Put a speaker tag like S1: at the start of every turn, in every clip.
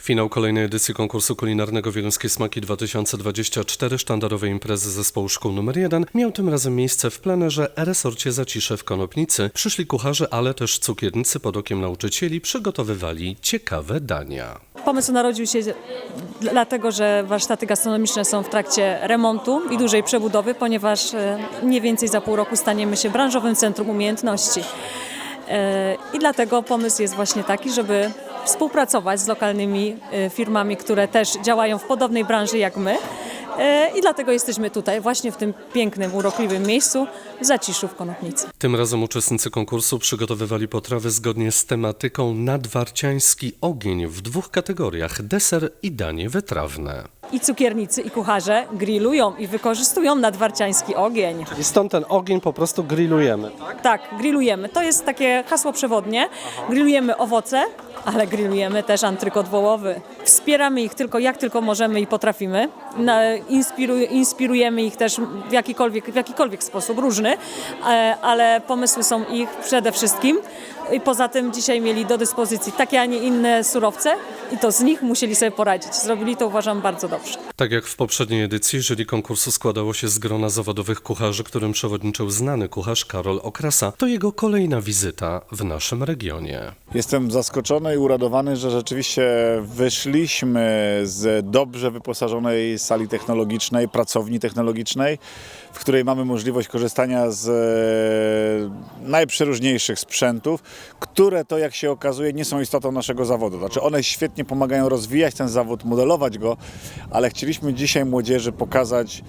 S1: Finał kolejnej edycji konkursu kulinarnego Wieluńskie Smaki 2024, sztandarowej imprezy zespołu szkół nr 1, miał tym razem miejsce w plenerze resorcie Zacisze w Konopnicy. Przyszli kucharze, ale też cukiernicy pod okiem nauczycieli przygotowywali ciekawe dania.
S2: Pomysł narodził się dlatego, że warsztaty gastronomiczne są w trakcie remontu i dużej przebudowy, ponieważ mniej więcej za pół roku staniemy się branżowym centrum umiejętności. I dlatego pomysł jest właśnie taki, żeby współpracować z lokalnymi firmami, które też działają w podobnej branży jak my. I dlatego jesteśmy tutaj, właśnie w tym pięknym, urokliwym miejscu w Zaciszu w Konopnicy.
S1: Tym razem uczestnicy konkursu przygotowywali potrawy zgodnie z tematyką nadwarciański ogień w dwóch kategoriach: deser i danie wytrawne.
S2: I cukiernicy, i kucharze grillują i wykorzystują nadwarciański ogień.
S1: I stąd ten ogień po prostu grillujemy, tak?
S2: Tak, grillujemy. To jest takie hasło przewodnie. Grillujemy owoce, ale grillujemy też antrykot wołowy. Wspieramy ich jak tylko możemy i potrafimy. Inspirujemy ich też w jakikolwiek sposób, różny, ale pomysły są ich przede wszystkim. I poza tym dzisiaj mieli do dyspozycji takie, a nie inne surowce i to z nich musieli sobie poradzić. Zrobili to, uważam, bardzo dobrze.
S1: Tak jak w poprzedniej edycji, jury konkursu składało się z grona zawodowych kucharzy, którym przewodniczył znany kucharz Karol Okrasa. To jego kolejna wizyta w naszym regionie.
S3: Jestem zaskoczony i uradowany, że rzeczywiście wyszliśmy z dobrze wyposażonej sali technologicznej, pracowni technologicznej, w której mamy możliwość korzystania z najprzeróżniejszych sprzętów, które to, jak się okazuje, nie są istotą naszego zawodu. Znaczy one świetnie pomagają rozwijać ten zawód, modelować go, ale chcieliśmy dzisiaj młodzieży pokazać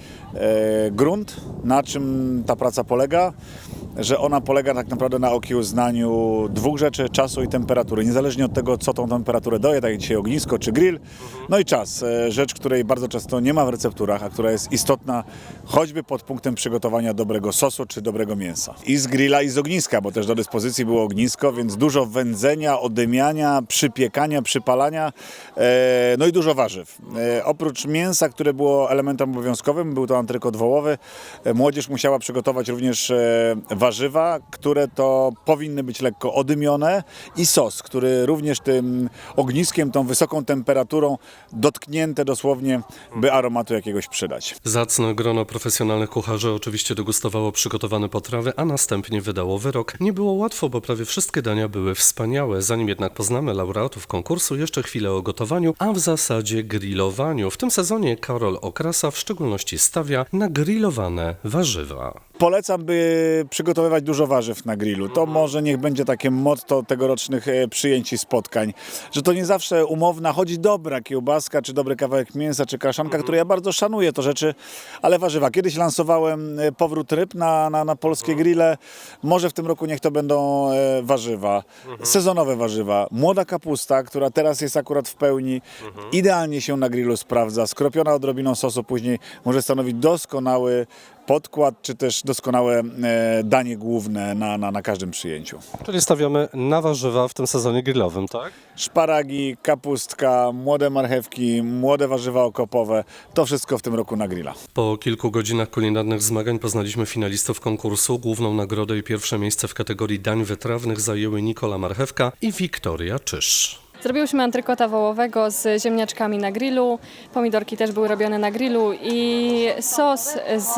S3: grunt, na czym ta praca polega, że ona polega tak naprawdę na okiełznaniu dwóch rzeczy: czasu i temperatury. Niezależnie od tego, co tą temperaturę daje, tak jak dzisiaj ognisko czy grill, no i czas. Rzecz, której bardzo często nie ma w recepturach, a która jest istotna choćby pod punktem przygotowania dobrego sosu czy dobrego mięsa. I z grilla, i z ogniska, bo też do dyspozycji było ognisko, więc dużo wędzenia, odymiania, przypiekania, przypalania, no i dużo warzyw. Oprócz mięsa, które było elementem obowiązkowym, był to antrykot wołowy, młodzież musiała przygotować również warzywa, które to powinny być lekko odymione, i sos, który również tym ogniskiem, tą wysoką temperaturą dotknięte dosłownie, by aromatu jakiegoś przydać.
S1: Zacne grono profesjonalnych kucharzy oczywiście degustowało przygotowane potrawy, a następnie wydało wyrok. Nie było łatwo, bo prawie wszystkie dania były wspaniałe. Zanim jednak poznamy laureatów konkursu, jeszcze chwilę o gotowaniu, a w zasadzie grillowaniu. W tym sezonie Karol Okrasa w szczególności stawia na grillowane warzywa.
S3: Polecam, by przygotowywać dużo warzyw na grillu. To może niech będzie takie motto tegorocznych przyjęć i spotkań, że to nie zawsze umowna, choć dobra kiełbaska, czy dobry kawałek mięsa, czy kaszanka, które ja bardzo szanuję, to rzeczy, ale warzywa. Kiedyś lansowałem powrót ryb na polskie grille. Może w tym roku niech to będą warzywa, sezonowe warzywa. Młoda kapusta, która teraz jest akurat w pełni, idealnie się na grillu sprawdza. Skropiona odrobiną sosu później może stanowić doskonały podkład, czy też doskonałe danie główne na każdym przyjęciu.
S1: Czyli stawiamy na warzywa w tym sezonie grillowym, tak?
S3: Szparagi, kapustka, młode marchewki, młode warzywa okopowe, to wszystko w tym roku na grilla.
S1: Po kilku godzinach kulinarnych zmagań poznaliśmy finalistów konkursu. Główną nagrodę i pierwsze miejsce w kategorii dań wytrawnych zajęły Nikola Marchewka i Wiktoria Czysz.
S4: Zrobiłyśmy antrykota wołowego z ziemniaczkami na grillu, pomidorki też były robione na grillu i sos z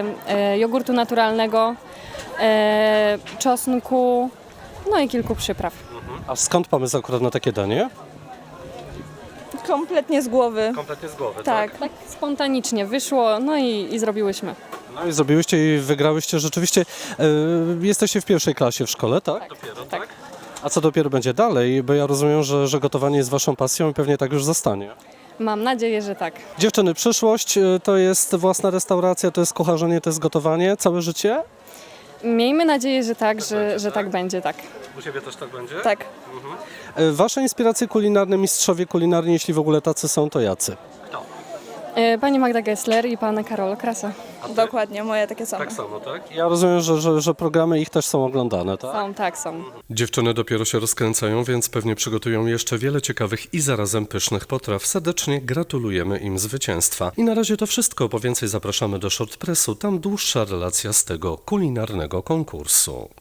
S4: jogurtu naturalnego, czosnku, no i kilku przypraw.
S1: A skąd pomysł akurat na takie danie?
S5: Kompletnie z głowy.
S1: Kompletnie z głowy,
S4: Tak spontanicznie wyszło, no i zrobiłyśmy.
S1: No i zrobiłyście i wygrałyście rzeczywiście. Jesteście w pierwszej klasie w szkole, tak? Dopiero,
S4: tak.
S1: A co dopiero będzie dalej? Bo ja rozumiem, że gotowanie jest waszą pasją i pewnie tak już zostanie.
S4: Mam nadzieję, że tak.
S1: Dziewczyny, przyszłość to jest własna restauracja, to jest kucharzenie, to jest gotowanie, całe życie?
S4: Miejmy nadzieję, że tak, że tak będzie, tak.
S1: U Ciebie też tak będzie?
S4: Tak.
S1: Wasze inspiracje kulinarne, mistrzowie kulinarni, jeśli w ogóle tacy są, to jacy?
S4: Pani Magda Gessler i pan Karol Okrasa.
S5: Dokładnie, moje takie same.
S1: Tak samo, tak? Ja rozumiem, że programy ich też są oglądane, tak?
S4: Są.
S1: Dziewczyny dopiero się rozkręcają, więc pewnie przygotują jeszcze wiele ciekawych i zarazem pysznych potraw. Serdecznie gratulujemy im zwycięstwa. I na razie to wszystko. Po więcej zapraszamy do Shortpressu. Tam dłuższa relacja z tego kulinarnego konkursu.